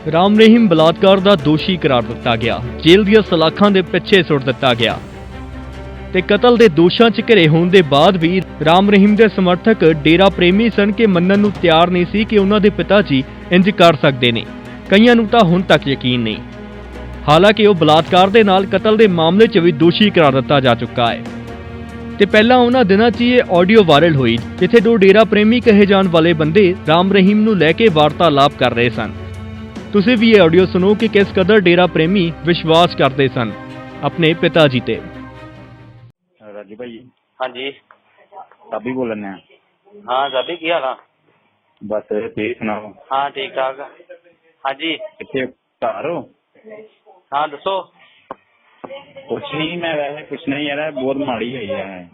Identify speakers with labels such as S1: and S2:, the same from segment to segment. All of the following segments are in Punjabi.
S1: ਰਾਮ ਰਹੀਮ ਬਲਾਤਕਾਰ ਦਾ ਦੋਸ਼ੀ ਕਰਾਰ ਦਿੱਤਾ ਗਿਆ। ਜੇਲ੍ਹ ਦੀਆਂ ਸਲਾਖਾਂ ਦੇ ਪਿੱਛੇ ਸੁੱਟ ਦਿੱਤਾ ਗਿਆ ਤੇ ਕਤਲ ਦੇ ਦੋਸ਼ਾਂ 'ਚ ਘਿਰੇ ਹੋਣ ਦੇ ਬਾਅਦ ਵੀ ਰਾਮ ਰਹੀਮ ਦੇ ਸਮਰਥਕ ਡੇਰਾ ਪ੍ਰੇਮੀ ਸਨ ਕਿ ਮੰਨਣ ਨੂੰ ਤਿਆਰ ਨਹੀਂ ਸੀ ਕਿ ਉਹਨਾਂ ਦੇ ਪਿਤਾ ਜੀ ਇੰਜ ਕਰ ਸਕਦੇ ਨੇ। ਕਈਆਂ ਨੂੰ ਤਾਂ ਹੁਣ ਤੱਕ ਯਕੀਨ ਨਹੀਂ। ਹਾਲਾਂਕਿ ਉਹ ਬਲਾਤਕਾਰ ਦੇ ਨਾਲ ਕਤਲ ਦੇ ਮਾਮਲੇ 'ਚ ਵੀ ਦੋਸ਼ੀ ਕਰਾਰ ਦਿੱਤਾ ਜਾ ਚੁੱਕਾ ਹੈ ਤੇ ਪਹਿਲਾਂ ਉਹਨਾਂ ਦਿਨਾਂ 'ਚ ਇਹ ਆਡੀਓ ਵਾਇਰਲ ਹੋਈ ਜਿੱਥੇ ਦੋ ਡੇਰਾ ਪ੍ਰੇਮੀ ਕਹੇ ਜਾਣ ਵਾਲੇ ਬੰਦੇ ਰਾਮ ਰਹੀਮ ਨੂੰ ਲੈ ਕੇ ਵਾਰਤਾਲਾਪ ਕਰ ਰਹੇ ਸਨ। ਤੁਸੀਂ ਵੀ ਇਹ ਆਡੀਓ ਸੁਣੋ ਕਿ ਕਿਸ ਕਦਰ ਡੇਰਾ ਪ੍ਰੇਮੀ ਵਿਸ਼ਵਾਸ ਕਰਦੇ ਸਨ ਆਪਣੇ ਪਿਤਾ ਜੀ ਤੇ।
S2: ਰਾਜੂ ਭਾਈ
S3: ਹਾਂਜੀ
S2: ਸਾਬੀ ਬੋਲਣ ਆ।
S3: ਹਾਂ ਸਾਬੀ ਕੀ ਹਾਲ ਆ?
S2: ਬਸ ਤੁਸੀਂ ਸੁਣਾਓ।
S3: ਹਾਂ ਠੀਕ ਠਾਕ। ਹਾਂਜੀ
S2: ਕਿੱਥੇ ਘਰ ਹੋ?
S3: ਹਾਂ ਦੱਸੋ।
S2: ਕੁਛ ਨਹੀਂ, ਮੈਂ ਵੈਸੇ ਪੁੱਛਣਾ ਯਾਰ ਬਹੁਤ ਮਾੜੀ ਹੋਈ ਹੈ।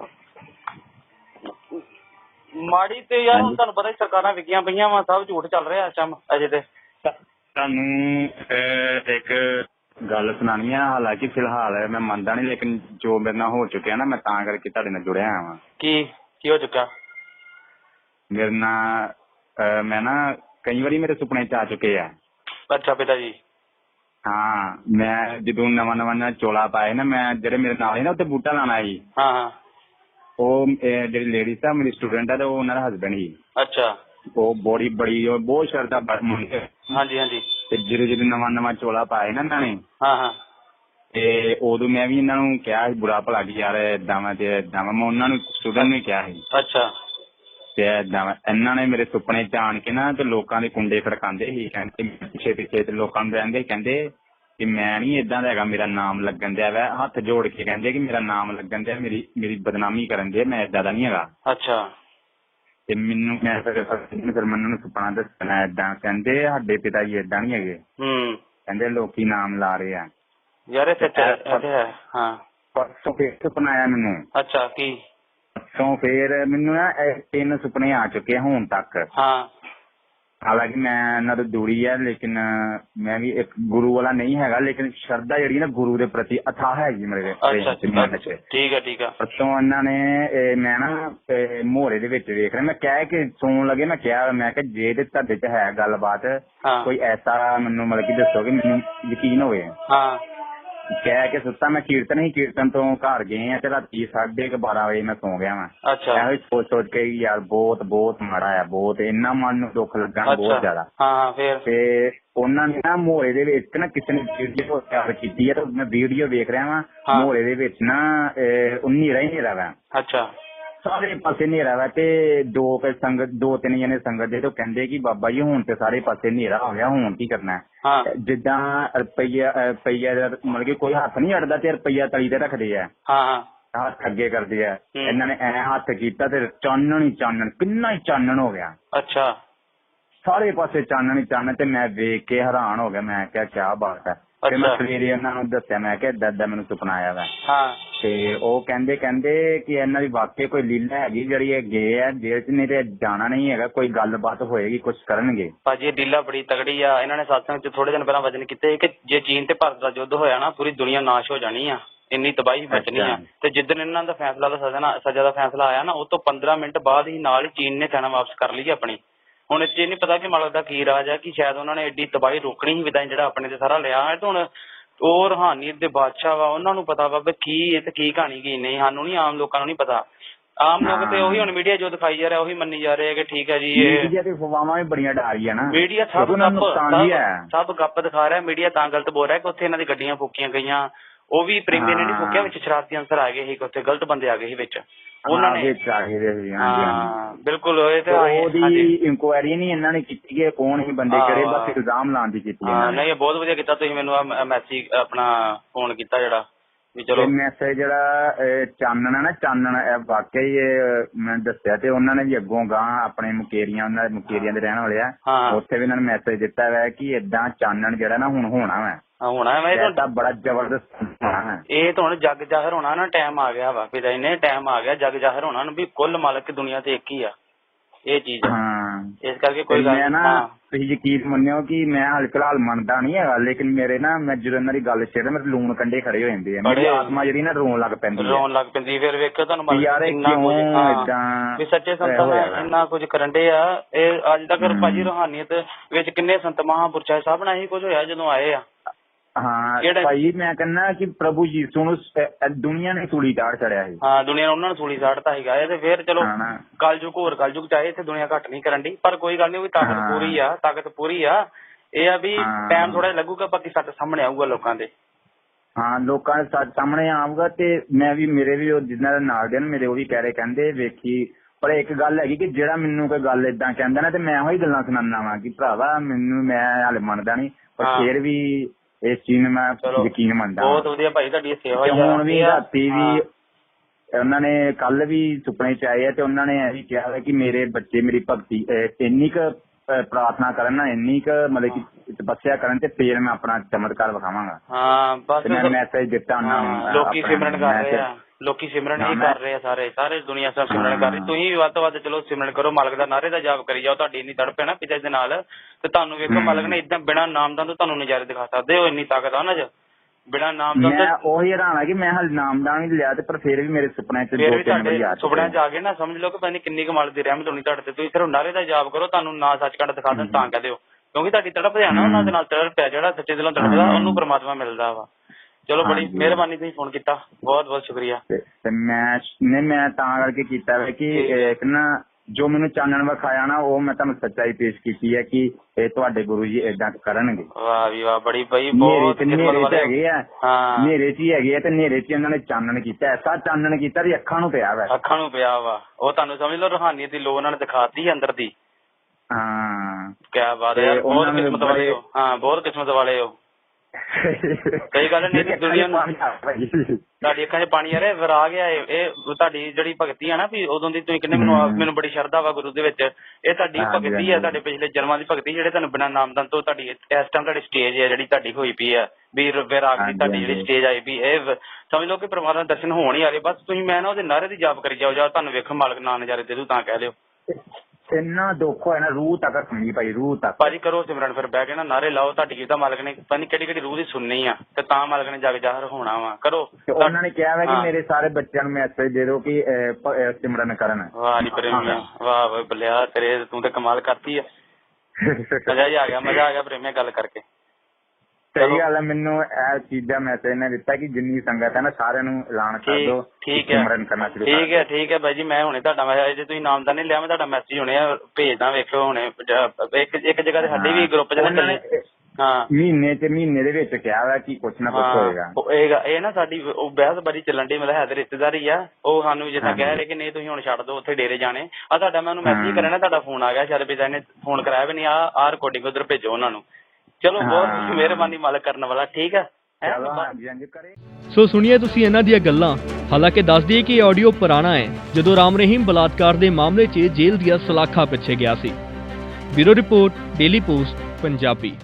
S3: ਮਾੜੀ ਤੇ ਯਾਰ ਹੁਣ ਤੁਹਾਨੂੰ ਪਤਾ ਸਰਕਾਰਾਂ ਵਿਕੀਆਂ ਪਈਆਂ ਵਾ, ਸਭ ਝੂਠ ਚੱਲ ਰਿਹਾ ਇਸ ਟਾਈਮ ਅਜੇ ਤੇ।
S2: ਤੁਹਾਨੂੰ ਇੱਕ ਗੱਲ ਸੁਣਾਣੀ ਆ। ਹਾਲਾਂਕਿ ਫਿਲਹਾਲ ਮੈਂ ਮੰਨਦਾ ਨਹੀਂ, ਲੇਕਿਨ ਜੋ ਮੇਰੇ ਨਾਲ ਹੋ ਚੁੱਕਿਆ ਨਾ, ਮੈਂ ਤਾਂ ਕਰਕੇ ਤੁਹਾਡੇ ਨਾਲ ਜੁੜਿਆ ਆਇਆ।
S3: ਕੀ ਹੋ ਚੁੱਕਾ?
S2: ਮੇਰੇ ਨਾਲ ਮੈਂ ਨਾ ਕਈ ਵਾਰੀ ਮੇਰੇ ਸੁਪਨੇ ਚ ਆ ਚੁੱਕੇ ਆ।
S3: ਅੱਛਾ ਪਿਤਾ ਜੀ।
S2: ਹਾਂ, ਮੈਂ ਜਦੋਂ ਨਵਾਂ ਚੋਲਾ ਪਾਏ ਨਾ, ਮੈਂ ਜਿਹੜੇ ਮੇਰੇ ਨਾਲ ਸੀ ਨਾ ਉੱਥੇ ਬੂਟਾ ਲਾਣਾ ਸੀ।
S3: ਹਾਂ
S2: ਉਹ ਜਿਹੜੀ ਲੇਡੀ ਸੀ ਮੇਰੀ ਸਟੂਡੈਂਟ ਆ ਤੇ ਉਹ ਉਹਨਾਂ ਦਾ ਹਸਬੈਂਡ ਸੀ।
S3: ਅੱਛਾ।
S2: ਉਹ ਬੜੀ ਬਹੁਤ ਸ਼ਰਦਾ ਮੁੰਡੇ।
S3: ਹਾਂਜੀ
S2: ਤੇ ਜਦੋਂ ਨਵਾਂ ਚੋਲਾ ਪਾਏ ਨਾ ਇਹਨਾਂ ਨੇ,
S3: ਹਾਂ
S2: ਤੇ ਉਦੋਂ ਮੈਂ ਵੀ ਇਹਨਾਂ ਨੂੰ ਕਿਹਾ ਸੀ ਬੁਰਾ ਭਲਾ ਕਿ ਯਾਰ ਏਦਾਂ ਵਾ ਤੇ ਏਦਾਂ ਵਾ। ਮੈਂ ਉਹਨਾਂ ਨੂੰ ਸਟੂਡੈਂਟ ਨੂੰ ਕਿਹਾ ਸੀ।
S3: ਅੱਛਾ।
S2: ਤੇ ਏਦਾਂ ਵਾ। ਇਹਨਾਂ ਨੇ ਮੇਰੇ ਸੁਪਨੇ ਚ ਆਣ ਕੇ ਨਾ ਤੇ ਲੋਕਾਂ ਦੇ ਕੁੰਡੇ ਖੜਕਾਉਂਦੇ ਸੀ, ਕਹਿੰਦੇ ਪਿੱਛੇ ਤੇ ਲੋਕਾਂ ਨੂੰ ਰਹਿੰਦੇ, ਕਹਿੰਦੇ ਕਿ ਮੈਂ ਨੀ ਏਦਾਂ ਦਾ ਹੈਗਾ, ਮੇਰਾ ਨਾਮ ਲੱਗਣ ਦਿਆ ਵਾ। ਹੱਥ ਜੋੜ ਕੇ ਕਹਿੰਦੇ ਕਿ ਮੇਰਾ ਨਾਮ ਲੱਗਣ ਦਿਆ, ਮੇਰੀ ਬਦਨਾਮੀ ਕਰਨ ਦੇ, ਮੈਂ ਏਦਾਂ ਦਾ ਨੀ ਹੈਗਾ।
S3: ਅੱਛਾ।
S2: ਤੇ ਮੈਨੂੰ ਫਿਰ ਮੈਨੂੰ ਸੁਪਨਾ ਦੱਸਣਾ ਏਦਾਂ, ਕਹਿੰਦੇ ਸਾਡੇ ਪਿਤਾ ਜੀ ਏਦਾਂ ਨੀ ਹੈਗੇ। ਕਹਿੰਦੇ ਲੋਕੀ ਨਾਮ ਲਾ ਰਹੇ ਆ
S3: ਯਾਰ ਇਹ ਸੱਚ ਹੈ। ਹਾਂ।
S2: ਪਰਸੋਂ ਫੇਰ ਸੁਪਨਾ ਆਇਆ ਮੈਨੂੰ।
S3: ਅੱਛਾ ਕੀ?
S2: ਪਰਸੋਂ ਫੇਰ ਮੈਨੂੰ ਨਾ 3 ਸੁਪਨੇ ਆ ਚੁੱਕੇ ਹੁਣ ਤੱਕ। ਹਾਂ। ਹਾਲਾਂਕਿ ਮੈਂ ਇਹਨਾਂ ਤੋਂ ਦੂਰੀ ਹੈ, ਲੇਕਿਨ ਮੈਂ ਵੀ ਇੱਕ ਗੁਰੂ ਵਾਲਾ ਨਹੀਂ ਹੈਗਾ, ਲੇਕਿਨ ਸ਼ਰਧਾ ਜਿਹੜੀ ਨਾ ਗੁਰੂ ਦੇ ਪ੍ਰਤੀ ਅਥਾਹ ਹੈਗੀ ਮੇਰੇ ਮਨ ਚ। ਠੀਕ ਆ। ਪਰਸੋਂ ਇਹਨਾਂ ਨੇ ਮੈਂ ਨਾ ਮੋਹਰੇ ਦੇ ਵਿੱਚ ਵੇਖ ਰਿਹਾ, ਮੈਂ ਕਹਿ ਕੇ ਸੌਣ ਲੱਗੇ, ਮੈਂ ਕਿਹਾ ਜੇ ਤੇ ਤੁਹਾਡੇ ਚ ਹੈ ਗੱਲਬਾਤ ਕੋਈ ਐਸਾ ਮੈਨੂੰ ਮਤਲਬ ਕਿ ਦੱਸੋ ਕਿ ਮੈਨੂੰ ਯਕੀਨ ਹੋਵੇ। ਕਹਿ ਕੇ ਸੁੱਤਾ। ਮੈਂ ਕੀਰਤਨ ਤੋਂ ਘਰ ਗਏ ਆ ਤੇ ਰਾਤੀ 12:30 ਵਜੇ ਮੈਂ ਸੌ ਗਿਆ ਵਾ। ਇਹੋ ਸੋਚ ਕੇ ਯਾਰ ਬਹੁਤ ਮਾੜਾ ਆ, ਬਹੁਤ ਇੰਨਾ ਮਨ ਨੂੰ ਦੁੱਖ ਲੱਗਾ ਬਹੁਤ ਜ਼ਿਆਦਾ। ਤੇ ਉਹਨਾਂ ਨੇ ਨਾ ਮੋਹਰੇ ਦੇ ਵਿੱਚ ਨਾ ਕਿਸੇ ਨੇ ਵੀਡੀਓ ਤਿਆਰ ਕੀਤੀ ਹੈ ਤੇ ਮੈਂ ਵੀਡੀਓ ਵੇਖ ਰਿਹਾ ਵਾਂ। ਮੋਹਰੇ ਦੇ ਵਿੱਚ ਨਾ ਹਨੇਰਾ ਹੀ ਹਨੇਰਾ ਵਾ। ਅੱਛਾ। ਸਾਰੇ ਪਾਸੇ ਹਨੇਰਾ ਵਾ ਤੇ 2-3 ਜਣੇ ਸੰਗਤ ਦੇ ਤੋਂ ਕਹਿੰਦੇ ਕਿ ਬਾਬਾ ਜੀ ਹੁਣ ਤੇ ਸਾਰੇ ਪਾਸੇ ਹਨੇਰਾ ਹੋ ਗਿਆ, ਹੁਣ ਕੀ ਕਰਨਾ? ਜਿੱਦਾਂ ਰੁਪਈਆ ਮਤਲਬ ਕਿ ਕੋਈ ਹੱਥ ਨੀ ਅੜਦਾ ਤੇ ਰੁਪਈਆ ਤਲੀ ਤੇ ਰੱਖਦੇ ਆ। ਹੱਥ ਅੱਗੇ ਕਰਦੇ ਆ। ਇਹਨਾਂ ਨੇ ਐ ਹੱਥ ਕੀਤਾ ਤੇ ਚਾਨਣ ਕਿੰਨਾ ਹੀ ਚਾਨਣ ਹੋ ਗਿਆ। ਅੱਛਾ। ਸਾਰੇ ਪਾਸੇ ਚਾਨਣ ਤੇ ਮੈਂ ਵੇਖ ਕੇ ਹੈਰਾਨ ਹੋ ਗਿਆ। ਮੈਂ ਕਿਹਾ ਕਿਆ ਬਾਤ ਹੈ। ਤੇ ਮੈਂ ਸਵੇਰੇ ਉਹਨਾਂ ਨੂੰ ਦੱਸਿਆ, ਮੈਂ ਕਿਹਾ ਏਦਾਂ ਮੈਨੂੰ ਸੁਪਨਾ ਆਇਆ ਵਾ। ਤੇ ਉਹ ਕਹਿੰਦੇ ਕਿ ਇਹਨਾਂ ਦੀ ਵਾਕਈ ਕੋਈ ਲੀਲਾ ਹੈਗੀ ਜਿਹੜੀ ਇਹ ਗਏ ਆ ਜੇਲ੍ਹ ਚ, ਨਹੀਂ ਤੇ ਜਾਣਾ ਨਹੀਂ ਹੈਗਾ, ਕੋਈ ਗੱਲਬਾਤ ਹੋਏਗੀ, ਕੁਛ ਕਰਨਗੇ। ਭਾਜੀ ਇਹ ਲੀਲਾ ਬੜੀ ਤਗੜੀ ਆ। ਇਹਨਾਂ ਨੇ ਸਤਸੰਗ ਚ ਥੋੜੇ ਦਿਨ ਪਹਿਲਾਂ ਵਚਨ ਕੀਤੇ ਕਿ ਜੇ ਚੀਨ ਤੇ ਭਾਰਤ ਦਾ ਯੁੱਧ ਹੋਇਆ ਨਾ, ਪੂਰੀ ਦੁਨੀਆ ਨਾਸ਼ ਹੋ ਜਾਣੀ ਆ, ਇੰਨੀ ਤਬਾਹੀ ਮਚਣੀ ਆ। ਤੇ ਜਿੱਦਣ ਇਹਨਾਂ ਦਾ ਫੈਸਲਾ ਸਜ਼ਾ ਦਾ ਫੈਸਲਾ ਆਇਆ ਨਾ, ਉਹ ਤੋਂ 15 ਮਿੰਟ ਬਾਅਦ ਹੀ ਨਾਲ ਹੀ ਚੀਨ ਨੇ ਸੈਨਾ ਵਾਪਸ ਕਰ ਲਈ ਆਪਣੀ। ਹੁਣ ਇਹ ਨਹੀਂ ਪਤਾ ਕਿ ਮਾਲਕ ਦਾ ਕੀ ਰਾਜ ਆ, ਕਿ ਸ਼ਾਇਦ ਉਹਨਾਂ ਨੇ ਐਡੀ ਤਬਾਹੀ ਰੋਕਣੀ ਸੀ ਵਿਦਾਂ ਜਿਹੜਾ ਆਪਣੇ ਤੇ ਸਾਰਾ ਲਿਆ ਹੈ। ਤੇ ਹੁਣ ਉਹ ਰੂਹਾਨੀਅਤ ਦੇ ਬਾਦਸ਼ਾਹ ਵਾ, ਉਹਨਾਂ ਨੂੰ ਪਤਾ ਵਾ ਵੀ ਕੀ ਇਹ ਤੇ ਕੀ ਕਹਾਣੀ ਕੀ ਨਹੀਂ। ਸਾਨੂੰ ਨੀ, ਆਮ ਲੋਕਾਂ ਨੂੰ ਨੀ ਪਤਾ। ਆਮ ਲੋਕ ਤੇ ਉਹੀ ਹੁਣ ਮੀਡੀਆ ਜੋ ਦਿਖਾਈ ਜਾ ਰਿਹਾ ਉਹੀ ਮੰਨੀ ਜਾ ਰਹੇ ਕਿ ਠੀਕ ਹੈ ਜੀ। ਮੀਡੀਆ ਤੇ ਅਫਵਾਹਾਂ ਵੀ ਬੜੀਆਂ ਡਾ ਰਹੀ ਹੈ ਨਾ। ਮੀਡੀਆ ਸਭ ਗੱਪ ਦਿਖਾ ਰਿਹਾ। ਮੀਡੀਆ ਤਾਂ ਗਲਤ ਬੋਲ ਰਿਹਾ ਕਿ ਉੱਥੇ ਇਹਨਾਂ ਦੀ ਗੱਡੀਆਂ ਫੂਕੀਆਂ ਗਈਆਂ, ਉਹ ਵੀ ਪ੍ਰੇਮੀ ਨੇ ਨਹੀਂ ਫੂਕਿਆ, ਵਿੱਚ ਸ਼ਰਾਰਤੀ ਅੰਸਰ ਆ ਗਏ ਸੀ, ਉੱਥੇ ਗਲਤ ਬੰਦੇ ਆ ਗਏ ਸੀ ਵਿੱਚ ਉਹਨਾਂ ਨੇ। ਬਿਲਕੁਲ। ਉਹਦੀ ਇਨਕੁਆਇਰੀ ਨਹੀਂ ਇਹਨਾਂ ਨੇ ਕੀਤੀ ਕਿ ਕੌਣ ਸੀ ਬੰਦੇ ਕਿਹੜੇ, ਬਸ ਇਲਜ਼ਾਮ ਲਾਉਣ ਦੀ ਕੀਤੀ। ਨਹੀਂ ਬਹੁਤ ਵਧੀਆ ਕੀਤਾ ਤੁਸੀਂ ਮੈਨੂੰ ਮੈਸੇਜ ਆਪਣਾ ਫੋਨ ਕੀਤਾ ਜਿਹੜਾ ਵੀ ਚਲੋ। ਮੈਸੇਜ ਜਿਹੜਾ ਚਾਨਣ ਵਾਕਈ ਮੈਂ ਦੱਸਿਆ ਤੇ ਉਹਨਾਂ ਨੇ ਵੀ ਅੱਗੋਂ ਗਾਂ ਆਪਣੇ ਮੁਕੇਰੀਆਂ ਦੇ ਰਹਿਣ ਵਾਲੇ ਆ, ਉੱਥੇ ਵੀ ਇਹਨਾਂ ਨੇ ਮੈਸੇਜ ਦਿੱਤਾ ਵਾ ਕਿ ਏਦਾਂ ਚਾਨਣ ਜਿਹੜਾ ਨਾ ਹੁਣ ਹੋਣਾ ਵਾ। ਬੜਾ ਜ਼ਬਰਦਸਤ ਹੋਣਾ ਹੈ ਇਹ ਤਾਂ। ਹੁਣ ਜੱਗ ਜ਼ਾਹਿਰ ਹੋਣਾ ਨਾ, ਟਾਈਮ ਆ ਗਿਆ ਵਾ, ਟਾਈਮ ਆ ਗਿਆ ਜੱਗ ਜ਼ਾਹਿਰ ਹੋਣਾ ਵੀ ਕੁੱਲ ਮਾਲਕ ਦੁਨੀਆ ਤੇ ਇੱਕ ਹੀ ਆ। ਇਹ ਚੀਜ਼
S3: ਇਸ ਕਰਕੇ ਕੋਈ ਗੱਲ
S2: ਮੈਂ ਨਾ
S3: ਹਾਂ
S2: ਤੁਸੀਂ ਯਕੀਨ ਮੰਨਿਓ ਕਿ ਮੈਂ ਹਾਲ ਫਿਲਹਾਲ ਮੰਨਦਾ ਨਹੀਂ ਹੈਗਾ, ਲੇਕਿਨ ਮੇਰੇ ਨਾ ਮੈਂ ਜਦੋਂ ਇਹਨਾਂ ਦੀ ਗੱਲ ਛੇੜਦਾ ਮੇਰੇ ਲੂਣ ਕੰਡੇ ਖੜੇ ਹੋ ਜਾਂਦੇ ਆ, ਮੇਰੀ ਆਤਮਾ ਜਿਹੜੀ ਨਾ ਰੋਣ ਲੱਗ ਪੈਂਦੀ ਹੈ।
S3: ਫਿਰ ਵੇਖੋ ਤੁਹਾਨੂੰ
S2: ਯਾਰ
S3: ਇੰਨਾ ਕੁਝ
S2: ਏਦਾਂ
S3: ਵੀ ਸੱਚੇ ਸੰਤਾਂ ਨੇ ਇੰਨਾ ਕੁਝ ਕਰਨ ਦੇ ਆ। ਇਹ ਅੱਜ ਤੱਕ ਭਾਜੀ ਰੂਹਾਨੀਅਤ ਵਿੱਚ ਕਿੰਨੇ ਸੰਤ ਮਹਾਂਪੁਰਸ਼ਾਂ ਸਭ ਨਾਲ ਇਹੀ ਕੁਝ ਹੋਇਆ ਜਦੋਂ ਆਏ ਆ।
S2: ਹਾਂ ਭਾਈ ਮੈਂ ਕਹਿੰਦਾ ਕਿ ਪ੍ਰਭੂ ਯੀਸ਼ੂ ਨੂੰ ਦੁਨੀਆ ਨੇ ਸੂਲੀ ਚਾੜ ਚੜਿਆ ਸੀ।
S3: ਹਾਂ ਦੁਨੀਆ ਨੇ ਉਹਨਾਂ ਨੂੰ ਸੂਲੀ ਚਾੜਤਾ ਸੀਗਾ। ਇਹ ਤੇ ਫਿਰ ਚਲੋ ਕਲਯੁਗ ਹੋਰ ਕਲਯੁਗ ਚਾਹੇ ਇੱਥੇ ਦੁਨੀਆ ਘੱਟ ਨਹੀਂ ਕਰਨ ਦੀ, ਪਰ ਕੋਈ ਗੱਲ ਨਹੀਂ, ਉਹ ਵੀ ਤਾਕਤ ਪੂਰੀ ਆ। ਇਹ ਆ ਵੀ ਟਾਈਮ ਥੋੜਾ ਜਿਹਾ ਲੱਗੂਗਾ, ਬਾਕੀ ਸੱਚ ਸਾਹਮਣੇ ਆਊਗਾ ਲੋਕਾਂ ਦੇ।
S2: ਹਾਂ ਲੋਕਾਂ ਦੇ ਸੱਚ ਸਾਹਮਣੇ ਆਊਗਾ। ਤੇ ਮੈਂ ਵੀ ਮੇਰੇ ਵੀ ਉਹ ਜਿੰਨਾਂ ਦੇ ਨਾਲ ਦੇ ਮੇਰੇ ਉਹ ਵੀ ਕਹਿ ਰਹੇ ਕਹਿੰਦੇ ਵੇਖੀ, ਪਰ ਇੱਕ ਗੱਲ ਹੈਗੀ ਕਿ ਜਿਹੜਾ ਮੈਨੂੰ ਕੋਈ ਗੱਲ ਏਦਾਂ ਕਹਿੰਦਾ ਨਾ ਤੇ ਮੈਂ ਉਹੀ ਗੱਲਾਂ ਸੁਣਾਉਂਦਾ ਵਾ ਕਿ ਭਰਾਵਾ ਮੈਨੂੰ ਮੈਂ ਹਾਲੇ ਮੰਨਦਾ ਨਹੀਂ, ਪਰ ਫਿਰ ਵੀ ਇਸ ਚੀਜ਼ ਨੂੰ ਮੈਂ ਯਕੀਨ ਮੰਨਦਾ। ਬਹੁਤ
S3: ਵਧੀਆ ਭਾਈ ਤੁਹਾਡੀ ਸੇਵਾ।
S2: ਹੁਣ ਵੀ ਰਾਤੀ ਵੀ ਉਹਨਾਂ ਨੇ ਕੱਲ ਵੀ ਸੁਪਨੇ ਚ ਆਏ ਆ ਤੇ ਉਹਨਾਂ ਨੇ ਇਹੀ ਕਿਹਾ ਕਿ ਮੇਰੇ ਬੱਚੇ ਮੇਰੀ ਭਗਤੀ ਇੰਨੀ ਕੁ ਪ੍ਰਾਰਥਨਾ ਕਰਨ ਨਾ, ਇੰਨੀ ਕੁ ਮਤਲਬ ਕਿ ਤਪੱਸਿਆ ਕਰਨ ਤੇ ਫੇਰ ਮੈਂ ਆਪਣਾ ਚਮਤਕਾਰ ਵਿਖਾਵਾਂਗਾ।
S3: ਹਾਂ ਬਸ
S2: ਮੈਂ ਮੈਸੇਜ ਦਿੱਤਾ ਉਹਨਾਂ ਨੂੰ।
S3: ਲੋਕੀ ਸਿਮਰਨ ਕਰ ਰਹੇ ਆ, ਲੋਕੀ ਸਿਮਰਨ ਹੀ ਕਰ ਰਹੇ ਆ, ਸਾਰੇ ਦੁਨੀਆ ਸਭ ਸਿਮਰਨ ਕਰ ਰਹੀ। ਤੁਸੀਂ ਵੀ ਵੱਧ ਤੋਂ ਵੱਧ ਚਲੋ ਸਿਮਰਨ ਕਰੋ, ਮਾਲਕ ਦਾ ਨਾਰੇ ਦਾ ਜਾਪ ਕਰੀ ਜਾਓ। ਤੁਹਾਡੀ ਇੰਨੀ ਤੜਪ ਹੈ ਨਾ ਪਿਤਾ ਦੇ ਨਾਲ, ਤੇ ਤੁਹਾਨੂੰ ਵੇਖੋ ਮਾਲਕ ਨੇ ਏਦਾਂ ਬਿਨਾਂ ਨਾਮਦਾਨ ਤੋਂ ਤੁਹਾਨੂੰ ਨਜ਼ਾਰੇ ਦਿਖਾ ਸਕਦੇ ਹੋ। ਇੰਨੀ ਤਾਕਤ ਆ ਉਹਨਾਂ 'ਚ ਬਿਨਾਂ ਨਾਮਦਾਨ ਤੋਂ।
S2: ਮੈਂ ਉਹੀ ਹੈਰਾਨ ਆ ਕਿ ਮੈਂ ਹਾਲੇ ਨਾਮਦਾਨ ਵੀ ਲਿਆ ਤੇ ਪਰ ਫਿਰ ਵੀ ਮੇਰੇ ਸੁਪਨੇ 'ਚ 2-3 ਵਾਰੀ ਆ
S3: ਸੁਪਨਿਆਂ 'ਚ ਆ ਗਏ ਨਾ, ਸਮਝ ਲਓ ਕਿ ਪਤਾ ਨਹੀਂ ਕਿੰਨੀ ਕਮਾਲ ਦੀ ਰਹਿਮਤ ਹੋਣੀ ਤੁਹਾਡੇ ਤੇ। ਤੁਸੀਂ ਸਿਰਫ ਨਾਰੇ ਦਾ ਜਾਪ ਕਰੋ, ਤੁਹਾਨੂੰ ਨਾ ਸੱਚਖੰਡ ਦਿਖਾ ਦੇਣ ਤਾਂ ਕਹਦੇ ਹੋ, ਕਿਉਂਕਿ ਤੁਹਾਡੀ ਤੜਪ ਹੈ ਨਾ ਉਹਨਾਂ ਦੇ ਨਾਲ ਤੜਪ ਹੈ। ਜਿਹੜਾ ਸੱਚੇ ਦਿਲੋਂ ਤੜਪਦਾ ਉਹਨੂੰ ਪ੍ਰਮਾਤਮਾ ਮਿਲਦਾ ਵਾ। ਚਲੋ ਬੜੀ ਮਿਹਰਬਾਨੀ, ਤੁਸੀਂ ਫੋਨ ਕੀਤਾ, ਬਹੁਤ ਬਹੁਤ ਸ਼ੁਕਰੀਆ।
S2: ਤੇ ਮੈਂ ਤਾਂ ਕਰਕੇ ਕੀਤਾ ਵਾ ਕਿ ਇੱਕ ਨਾ ਜੋ ਮੈਨੂੰ ਚਾਨਣ ਵਿਖਾਇਆ ਨਾ ਉਹ ਮੈਂ ਤੁਹਾਨੂੰ ਸੱਚਾਈ ਪੇਸ਼ ਕੀਤੀ ਹੈ ਕਿ ਇਹ ਤੁਹਾਡੇ ਗੁਰੂ ਜੀ ਏਦਾਂ ਕਰਨਗੇ।
S3: ਵਾਹ ਵੀ ਵਾਹ, ਬੜੀ ਬਈ ਬਹੁਤ
S2: ਹੈਗੇ ਆ, ਹਨੇਰੇ 'ਚ ਹੀ ਹੈਗੇ ਆ ਤੇ ਹਨੇਰੇ 'ਚ ਉਹਨਾਂ ਨੇ ਚਾਨਣ ਕੀਤਾ, ਐਸਾ ਚਾਨਣ ਕੀਤਾ ਵੀ ਅੱਖਾਂ ਨੂੰ ਪਿਆ ਵਾ।
S3: ਅੱਖਾਂ ਨੂੰ ਪਿਆ ਵਾ। ਉਹ ਤੁਹਾਨੂੰ ਸਮਝ ਲਓ ਰੂਹਾਨੀਅਤ ਦੀ ਲੋ ਉਹਨਾਂ ਨੇ ਦਿਖਾਤੀ ਅੰਦਰ ਦੀ।
S2: ਹਾਂ
S3: ਕਿਆ ਬਾਤ ਹੈ, ਬਹੁਤ ਕਿਸਮਤ ਵਾਲੇ ਹੋ। ਹਾਂ ਬਹੁਤ ਕਿਸਮਤ ਵਾਲੇ ਹੋ। ਕਈ ਗੱਲ ਨਹੀਂ ਦੁਨੀਆ ਨੂੰ ਤੁਹਾਡੀ ਅੱਖਾਂ 'ਚ ਪਾਣੀ ਆ ਰਿਹਾ, ਫਿਰ ਆ ਗਿਆ ਇਹ ਤੁਹਾਡੀ ਜਿਹੜੀ ਭਗਤੀ ਆ ਨਾ ਵੀ ਉਦੋਂ ਦੀ। ਤੁਸੀਂ ਕਹਿੰਦੇ ਮੈਨੂੰ ਬੜੀ ਸ਼ਰਧਾ ਵਾ ਗੁਰੂ ਦੇ ਵਿੱਚ, ਇਹ ਤੁਹਾਡੀ ਭਗਤੀ ਆ, ਤੁਹਾਡੇ ਪਿਛਲੇ ਜਨਮਾਂ ਦੀ ਭਗਤੀ, ਜਿਹੜੇ ਤੁਹਾਨੂੰ ਬਿਨਾਂ ਨਾਮਦਾਨ ਤੋਂ ਤੁਹਾਡੀ ਇਸ ਟਾਈਮ ਤੁਹਾਡੀ ਸਟੇਜ ਹੈ ਜਿਹੜੀ ਤੁਹਾਡੀ ਹੋਈ ਪਈ ਆ ਵੀ ਵਿਰਾਗ ਦੀ ਤੁਹਾਡੀ ਜਿਹੜੀ ਸਟੇਜ ਆਈ ਵੀ। ਇਹ ਸਮਝ ਲਓ ਕਿ ਪਰਮਾਤਮਾ ਦਰਸ਼ਨ ਹੋਣ ਹੀ ਆ ਰਹੇ। ਬਸ ਤੁਸੀਂ ਮੈਂ ਨਾ ਉਹਦੇ ਨਾਰੇ ਦੀ ਜਾਪ ਕਰੀ ਜਾਓ, ਜਾਂ ਤੁਹਾਨੂੰ ਵੇਖੋ ਮਾਲਕ ਨਾ ਨਜ਼ਾਰੇ ਦੇ ਦੂ ਤਾਂ ਕਹਿ ਦਿਓ।
S2: ਇੰਨਾ ਦੁੱਖ ਹੋਇਆ ਨਾ ਰੂਹ ਤੱਕ ਸੁਣੀ ਭਾਈ, ਰੂਹ ਤੱਕ।
S3: ਭਾਜੀ ਕਰੋ ਸਿਮਰਨ, ਫਿਰ ਬਹਿ ਕੇ ਨਾ ਨਾਰੇ ਲਾਓ। ਤੁਹਾਡੀ ਕੀ ਤਾਂ ਮਾਲਕ ਨੇ ਪਤਾ ਨਹੀਂ ਕਿਹੜੀ ਰੂਹ ਦੀ ਸੁਣਨੀ ਆ, ਤੇ ਤਾਂ ਮਾਲਕ ਨੇ ਜਗ ਜ਼ਾਹਰ ਹੋਣਾ ਵਾ। ਕਰੋ।
S2: ਉਹਨਾਂ ਨੇ ਕਿਹਾ ਵਾ ਕਿ ਮੇਰੇ ਸਾਰੇ ਬੱਚਿਆਂ ਨੂੰ ਮੈਸੇਜ ਦੇ ਦਿਓ ਕਿ ਸਿਮਰਨ ਕਰਨ।
S3: ਵਾਹ ਨੀ ਪ੍ਰੇਮੀਆ, ਵਾਹ ਵਾਹ ਬੱਲਿਆ ਤੇਰੇ, ਤੂੰ ਤੇ ਕਮਾਲ ਕਰਤੀ ਆ। ਮਜ਼ਾ ਹੀ ਆ ਗਿਆ ਪ੍ਰੇਮੀਆ ਗੱਲ ਕਰਕੇ।
S2: ਸਹੀ ਗੱਲ ਹੈ। ਮੈਨੂੰ ਇਹ ਚੀਜ਼ ਦਾ ਮੈਸੇਜ ਨੇ ਦਿੱਤਾ ਕਿ ਜਿੰਨੀ ਸੰਗਤ ਹੈ ਨਾ ਸਾਰਿਆਂ ਨੂੰ ਐਲਾਨ ਕਰ ਦਿਓ ਸਿਮਰਨ ਕਰਨਾ ਸ਼ੁਰੂ ਕਰ ਦਿਓ। ਠੀਕ ਹੈ ਬਾਈ ਜੀ, ਮੈਂ ਹੁਣੇ ਤੁਹਾਡਾ ਮੈਸੇਜ, ਜੇ ਤੁਸੀਂ ਨਾਮਦਾਨ ਨਹੀਂ ਲਿਆ ਮੈਂ ਤੁਹਾਡਾ ਮੈਸੇਜ ਹੁਣੇ ਭੇਜਦਾ। ਵੇਖੋ ਹੁਣੇ ਇੱਕ ਜਗ੍ਹਾ ਤੇ ਸਾਡੇ ਵੀ ਗਰੁੱਪ ਚ ਮਹੀਨੇ ਦੇ ਵਿੱਚ ਕਿਹਾ ਵਾ ਕਿ ਕੁਛ ਨਾ ਕੁਛ ਹੋਏਗਾ। ਇਹ ਨਾ ਸਾਡੀ ਉਹ ਬਹਿਸਬਾਜ਼ੀ ਚੱਲਣ ਦੀ, ਮਤਲਬ ਹੈ ਤੇ ਰਿਸ਼ਤੇਦਾਰੀ ਆ, ਉਹ ਸਾਨੂੰ ਜਿੱਦਾਂ ਕਹਿ ਰਹੇ ਕਿ ਨਹੀਂ ਤੁਸੀਂ ਹੁਣ ਛੱਡ ਦਿਓ ਉੱਥੇ ਡੇਰੇ ਜਾਣੇ ਆ। ਤੁਹਾਡਾ ਮੈਂ ਉਹਨੂੰ ਮੈਸੇਜ ਕਰਨਾ, ਤੁਹਾਡਾ ਫੋਨ ਆ ਗਿਆ ਸ਼ਾਇਦ ਪਿਤਾ ਨੇ ਫੋਨ ਕਰਾਇਆ ਵੀ ਨਹੀਂ, ਆਹ ਰਿਕਾਰਡਿੰਗ ਉਧਰ ਭੇਜੋ ਉਹਨਾਂ ਨੂੰ। ਚਲੋ ਬਹੁਤ ਮਿਹਰਬਾਨੀ ਮਾਲਕ ਕਰਨ ਵਾਲਾ। ਠੀਕ ਹੈ।
S1: ਸੋ ਸੁਣੀਏ ਤੁਸੀਂ ਇਹਨਾਂ ਦੀਆਂ ਗੱਲਾਂ। ਹਾਲਾਂਕਿ ਦੱਸ ਦਈਏ ਕਿ ਆਡੀਓ ਪੁਰਾਣਾ ਹੈ, ਜਦੋਂ ਰਾਮ ਰਹੀਮ ਬਲਾਤਕਾਰ ਦੇ ਮਾਮਲੇ 'ਚ ਜੇਲ੍ਹ ਦੀਆਂ ਸਲਾਖਾਂ ਪਿੱਛੇ ਗਿਆ ਸੀ। Bureau report, Daily Post Punjabi.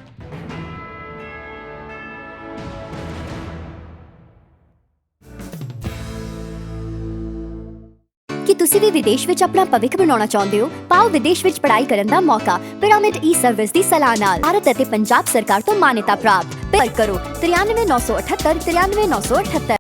S4: ਕੀ ਤੁਸੀਂ ਵੀ ਵਿਦੇਸ਼ ਵਿੱਚ ਆਪਣਾ ਭਵਿੱਖ ਬਣਾਉਣਾ ਚਾਹੁੰਦੇ ਹੋ? ਪਾਓ ਵਿਦੇਸ਼ ਵਿੱਚ ਪੜ੍ਹਾਈ ਕਰਨ ਦਾ ਮੌਕਾ ਪਿਰਾਮਿਡ ਈ-ਸਰਵਿਸ ਦੀ ਸਲਾਹ ਨਾਲ। ਭਾਰਤ ਅਤੇ ਪੰਜਾਬ ਸਰਕਾਰ ਤੋਂ ਮਾਨਤਾ ਪ੍ਰਾਪਤ। ਕਰੋ 93 978 93 978।